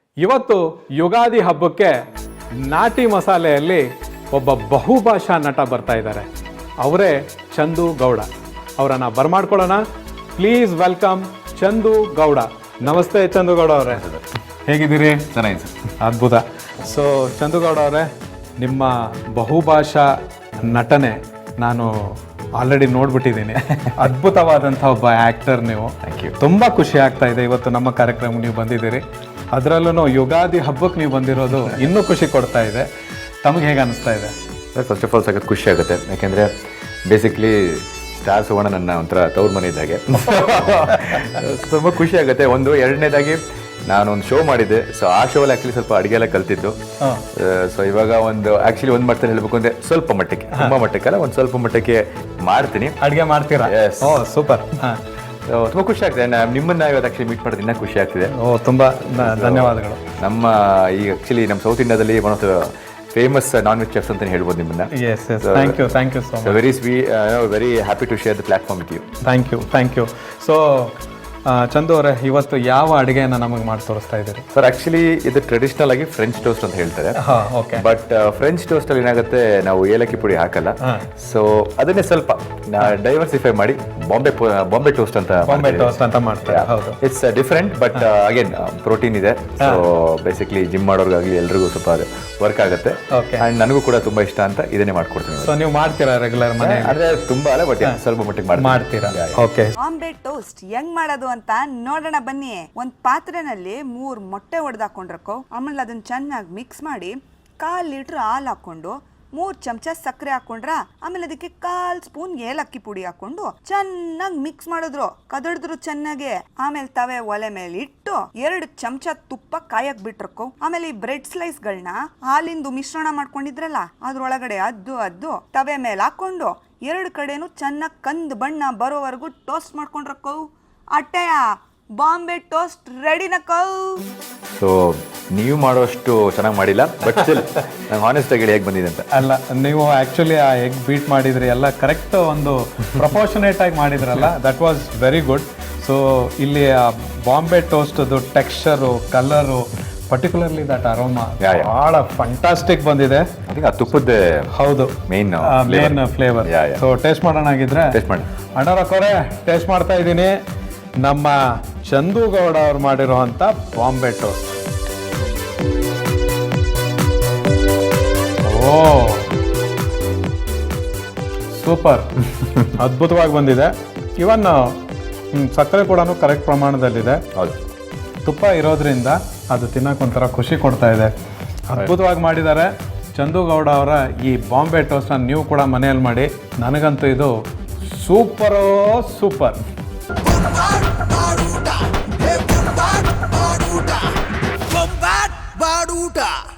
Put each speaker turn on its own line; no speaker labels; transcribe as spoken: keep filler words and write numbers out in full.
ಇವತ್ತು ಯುಗಾದಿ ಹಬ್ಬಕ್ಕೆ ನಾಟಿ ಮಸಾಲೆಯಲ್ಲಿ ಒಬ್ಬ ಬಹುಭಾಷಾ ನಟ ಬರ್ತಾ ಇದ್ದಾರೆ. ಅವರೇ ಚಂದು ಗೌಡ. ಅವರನ್ನು ಬರಮಾಡ್ಕೊಳ್ಳೋಣ. Please welcome Chandu Gowda. ನಮಸ್ತೆ ಚಂದು ಗೌಡ ಅವರೇ, ಹೇಗಿದ್ದೀರಿ?
ಚೆನ್ನಾಗಿದೆ ಸರ್.
ಅದ್ಭುತ. ಸೊ ಚಂದು ಗೌಡ ಅವರೇ, ನಿಮ್ಮ ಬಹುಭಾಷಾ ನಟನೆ ನಾನು ಆಲ್ರೆಡಿ ನೋಡ್ಬಿಟ್ಟಿದ್ದೀನಿ. ಅದ್ಭುತವಾದಂಥ ಒಬ್ಬ ಆ್ಯಕ್ಟರ್ ನೀವು.
Thank you.
ತುಂಬ ಖುಷಿ ಆಗ್ತಾ ಇದೆ ಇವತ್ತು ನಮ್ಮ ಕಾರ್ಯಕ್ರಮಕ್ಕೆ ನೀವು ಬಂದಿದ್ದೀರಿ. ಅದರಲ್ಲೂ ಯುಗಾದಿ ಹಬ್ಬಕ್ಕೆ ನೀವು ಬಂದಿರೋದು ಇನ್ನೂ ಖುಷಿ ಕೊಡ್ತಾ ಇದೆ. ತಮಗೆ ಹೇಗೆ ಅನಿಸ್ತಾ ಇದೆ?
ಫಸ್ಟ್ ಆಫ್ ಆಲ್ ಸಖತ್ ಖುಷಿ ಆಗುತ್ತೆ, ಯಾಕೆಂದರೆ ಬೇಸಿಕ್ಲಿ ಸ್ಟಾರ್ ಸುವರ್ಣ ನನ್ನ ಒಂಥರ ತವ್ರ ಮನೆ ಇದ್ದಾಗೆ. ತುಂಬ ಖುಷಿ ಆಗುತ್ತೆ. ಒಂದು ಎರಡನೇದಾಗಿ ನಾನೊಂದು ಶೋ ಮಾಡಿದ್ದೆ. ಸೊ ಆ ಶೋಲ್ಲಿ ಆ್ಯಕ್ಚುಲಿ ಸ್ವಲ್ಪ ಅಡುಗೆ ಎಲ್ಲ ಕಲ್ತಿದ್ದು. ಸೊ ಇವಾಗ ಒಂದು ಆ್ಯಕ್ಚುಲಿ ಒಂದು ಮಾಡ್ತಾರೆ ಹೇಳಬೇಕು ಅಂದರೆ ಸ್ವಲ್ಪ ಮಟ್ಟಕ್ಕೆ, ತುಂಬ ಮಟ್ಟಕ್ಕಲ್ಲ, ಒಂದು ಸ್ವಲ್ಪ ಮಟ್ಟಕ್ಕೆ ಮಾಡ್ತೀನಿ.
ಅಡುಗೆ ಮಾಡ್ತೀರಾ?
Yes.
ಓ ಸೂಪರ್. ಹಾಂ,
ತುಂಬ ಖುಷಿ ಆಗ್ತಿದೆ. ನಾನು ನಿಮ್ಮನ್ನು ಇವತ್ತು ಆ್ಯಕ್ಚುಲಿ ಮೀಟ್ ಮಾಡೋದು ಇನ್ನೂ ಖುಷಿ ಆಗ್ತಿದೆ.
ಓ ತುಂಬ ಧನ್ಯವಾದಗಳು.
ನಮ್ಮ ಈಗ ಆ್ಯಕ್ಚುಲಿ ನಮ್ಮ ಸೌತ್ ಇಂಡಿಯಾದಲ್ಲಿ one of the famous non veg chefs ಅಂತ ಹೇಳ್ಬೋದು ನಿಮ್ಮನ್ನ.
Yes yes thank you thank you so much.
Very ಸ್ವೀ very happy to share the platform with you.
Thank you thank you. So Chandu ಅವರೇ, ಇವತ್ತು ಯಾವ ಅಡುಗೆಯನ್ನು ನಮಗೆ ಮಾಡಿ ತೋರಿಸ್ತಾ ಇದ್ದೀರಿ?
ಸರ್ ಆ್ಯಕ್ಚುಲಿ ಇದು ಟ್ರೆಡಿಷನಲ್ ಆಗಿ ಫ್ರೆಂಚ್ ಟೋಸ್ಟ್ ಅಂತ ಹೇಳ್ತಾರೆ.
ಹಾಂ, ಓಕೆ.
ಬಟ್ ಫ್ರೆಂಚ್ ಟೋಸ್ಟ್ ಅಲ್ಲಿ ಏನಾಗುತ್ತೆ, ನಾವು ಏಲಕ್ಕಿ ಪುಡಿ ಹಾಕಲ್ಲ. ಸೊ ಅದನ್ನೇ ಸ್ವಲ್ಪ ಡೈವರ್ಸಿಫೈ ಮಾಡಿ ಬಾಂಬೆ ಬಾಂಬೆ ಟೋಸ್ಟ್ ಅಂತ
ಬಾಂಬೆ ಟೋಸ್ಟ್ ಅಂತ ಮಾಡ್ತಾರೆ. ಹೌದು,
it's different, but again protein ಇದೆ. ಸೊ ಬೇಸಿಕ್ಲಿ ಜಿಮ್ ಮಾಡೋರ್ಗಾಗಲಿ ಎಲ್ರಿಗೂ ಸ್ವಲ್ಪ ಅದು ವರ್ಕ್ ಆಗುತ್ತೆ. ಅಂಡ್ ನನಗೂ ಕೂಡ ತುಂಬಾ ಇಷ್ಟ ಅಂತ ಇದನ್ನೇ ಮಾಡ್ಕೊಡ್ತೀನಿ.
ಸೊ ನೀವು ಮಾಡ್ತೀರಾ ರೆಗ್ಯುಲರ್ ಮನೆ?
ಅಂದ್ರೆ ತುಂಬಾ ಅಲ್ಲ, ಬಟ್ ಸ್ವಲ್ಪ ಮಟ್ಟಿಗೆ
ಮಾಡ್ತೀರಾ? ಓಕೆ.
ಬಾಂಬೆ ಟೋಸ್ಟ್ ಹೆಂಗ್ ಮಾಡೋದು ಅಂತ ನೋಡೋಣ ಬನ್ನಿ. ಒಂದ್ ಪಾತ್ರೆನಲ್ಲಿ ಮೂರ್ ಮೊಟ್ಟೆ ಹೊಡೆದಾಕೊಂಡ್ರಕ್ಕೋ, ಆಮೇಲೆ ಅದನ್ನ ಚೆನ್ನಾಗಿ ಮಿಕ್ಸ್ ಮಾಡಿ ಕಾಲ್ ಲೀಟರ್ ಹಾಲು ಹಾಕೊಂಡು ಮೂರ್ ಚಮಚ ಸಕ್ಕರೆ ಹಾಕೊಂಡ್ರ, ಆಮೇಲೆ ಅದಕ್ಕೆ ಕಾಲ್ ಸ್ಪೂನ್ ಏಲಕ್ಕಿ ಪುಡಿ ಹಾಕೊಂಡು ಚೆನ್ನಾಗಿ ಮಿಕ್ಸ್ ಮಾಡಿದ್ರು, ಕದಡಿದ್ರು ಚೆನ್ನಾಗಿ. ಆಮೇಲೆ ತವೆ ಒಲೆ ಮೇಲೆ ಇಟ್ಟು ಎರಡು ಚಮಚ ತುಪ್ಪ ಕಾಯಕ್ ಬಿಟ್ರಕ್ಕೋ, ಆಮೇಲೆ ಈ ಬ್ರೆಡ್ ಸ್ಲೈಸ್ ಗಳನ್ನ ಹಾಲಿಂದು ಮಿಶ್ರಣ ಮಾಡ್ಕೊಂಡಿದ್ರಲ್ಲ ಅದ್ರೊಳಗಡೆ ಅದ್ದು ಅದ್ದು ತವೆ ಮೇಲೆ ಹಾಕೊಂಡು ಎರಡು ಕಡೆನೂ ಚೆನ್ನಾಗಿ ಕಂದ್ ಬಣ್ಣ ಬರೋವರೆಗೂ ಟೋಸ್ಟ್ ಮಾಡ್ಕೊಂಡ್ರಕ್ಕೋ. ಅಟ್ಟೆಯ ಬಾಂಬೆ ಟೋಸ್ಟ್ ರೆಡಿನಕ್ಕೋ.
ಸೊ ನೀವು ಮಾಡೋಷ್ಟು ಚೆನ್ನಾಗಿ ಮಾಡಿಲ್ಲ, ಬಟ್ ಸ್ಟಿಲ್ ನಂಗೆ ಹಾನೆಸ್ಟ್ ಆಗಿ ಹೇಗೆ ಬಂದಿದೆ ಅಂತ.
ಅಲ್ಲ, ನೀವು ಆ್ಯಕ್ಚುಲಿ ಆ ಎಗ್ ಬೀಟ್ ಮಾಡಿದ್ರಿ, ಎಲ್ಲ ಕರೆಕ್ಟ್ ಒಂದು ಪ್ರಪೋರ್ಷನೇಟ್ ಆಗಿ ಮಾಡಿದ್ರಲ್ಲ, that was very good. So ಇಲ್ಲಿ ಆ ಬಾಂಬೆ ಟೋಸ್ಟದು texture, colour, particularly that aroma ಭಾಳ ಫಂಟಾಸ್ಟಿಕ್ ಬಂದಿದೆ.
ಅದಕ್ಕೆ ಆ ತುಪ್ಪದ
ಹೌದು
main
main flavour. So taste ಮಾಡೋಣ ಆಗಿದ್ರೆ.
ಟೇಸ್ಟ್ ಮಾಡಿ
ಅಣ್ಣರಕ್ಕೋರೆ, ಟೇಸ್ಟ್ ಮಾಡ್ತಾ ಇದ್ದೀನಿ ನಮ್ಮ ಚಂದು ಗೌಡ ಅವ್ರು ಮಾಡಿರೋವಂಥ ಬಾಂಬೆ ಟೋಸ್ಟ್. ಓ ಸೂಪರ್, ಅದ್ಭುತವಾಗಿ ಬಂದಿದೆ. ಇವನ್ ಸಕ್ಕರೆ ಕೂಡ ಕರೆಕ್ಟ್ ಪ್ರಮಾಣದಲ್ಲಿದೆ.
ಹೌದು,
ತುಪ್ಪ ಇರೋದ್ರಿಂದ ಅದು ತಿನ್ನೋಕೆ ಒಂಥರ ಖುಷಿ ಕೊಡ್ತಾ ಇದೆ. ಅದ್ಭುತವಾಗಿ ಮಾಡಿದ್ದಾರೆ ಚಂದು ಗೌಡ ಅವರ ಈ ಬಾಂಬೆ ಟೋಸ್ಟನ್ನು ನೀವು ಕೂಡ ಮನೆಯಲ್ಲಿ ಮಾಡಿ. ನನಗಂತೂ ಇದು ಸೂಪರೋ ಸೂಪರ್.
ಬಾಡೂಟ